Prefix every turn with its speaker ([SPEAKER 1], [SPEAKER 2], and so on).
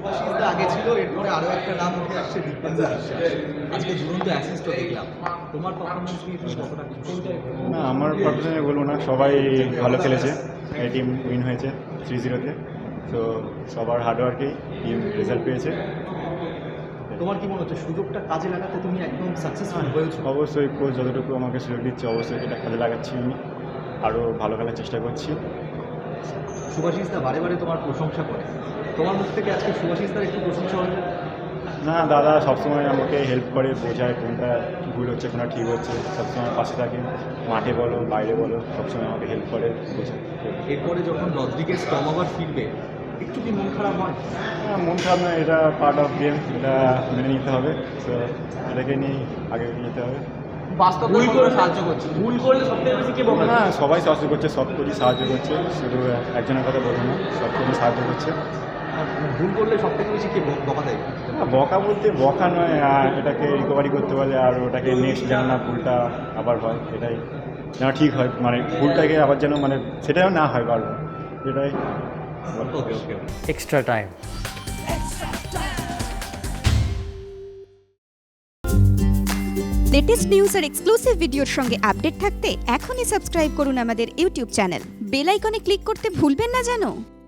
[SPEAKER 1] শুভাশিস দা আগে ছিল, এরপরে আরো একটা নাম উঠে আসছে দীপেন্দ্র বিশ্বাস। আজকে দুরন্ত অ্যাসিস্টও দেখলাম, তোমার পারফরমেন্স নিয়ে তুমি কতটা খুশি?
[SPEAKER 2] না, আমার পারফরমেন্স বলবো না, সবাই ভালো খেলেছে। এই টিম উইন হয়েছে 3-0-তে। তো সবার হার্ডওয়ার্কেই টিম রেজাল্ট পেয়েছে।
[SPEAKER 1] তোমার কি মনে হচ্ছে সুযোগটা কাজে লাগাতে তুমি একদম সাকসেসফুল হয়েছো?
[SPEAKER 2] অবশ্যই কোচ যতটুকু আমাকে সুযোগ দিচ্ছে অবশ্যই এটা কাজে লাগাচ্ছি আমি, আরও ভালো খেলার চেষ্টা করছি।
[SPEAKER 1] শুভাশিস দা বারে বারে তোমার প্রশংসা করে, তোমার মুখ থেকে আজকে শুভাশিস দার একটু প্রশংসা হলো?
[SPEAKER 2] না, দাদা সবসময় আমাকে হেল্প করে, বোঝায় কোনটা ভুল হচ্ছে কোনটা ঠিক হচ্ছে, সবসময় পাশে থাকে, মাঠে বলো বাইরে বলো সবসময় আমাকে হেল্প করে, বোঝায়।
[SPEAKER 1] এরপরে যখন রদ্রিগেজ টম আবার ফিরবে, একটু কি মন খারাপ হয়?
[SPEAKER 2] মন খারাপ না, এটা পার্ট অফ গেম, এটা মেনে নিতে হবে। তো এটাকে নিয়ে আগে যেতে হবে।
[SPEAKER 1] বাস্তব ভুল করে সাহায্য করছে, ভুল করলে সবথেকে বেশি কে বকা?
[SPEAKER 2] না, সবাই সাহায্য করছে, সব কোচই সাহায্য করছে, শুধু একজনের কথা বলবো না, সব কোচই সাহায্য করছে।
[SPEAKER 1] ভুল করলে সবথেকে বেশি কে বকা দেয়?
[SPEAKER 2] না, বকা বলতে বকা নয়, এটাকে রিকভারি করতে পারলে আর ওটাকে নেক্সট যেন না ভুলটা আবার হয়, এটাই যেন ঠিক হয়, মানে ভুলটাকে আবার যেন মানে সেটাও না হয় বারবার, এটাই।
[SPEAKER 1] Okay okay.
[SPEAKER 3] extra time.
[SPEAKER 4] Latest news আর এক্সক্লুসিভ ভিডিওর সঙ্গে আপডেট থাকতে এখনই সাবস্ক্রাইব করুন আমাদের ইউটিউব চ্যানেল। বেল আইকনে ক্লিক করতে ভুলবেন না যেন।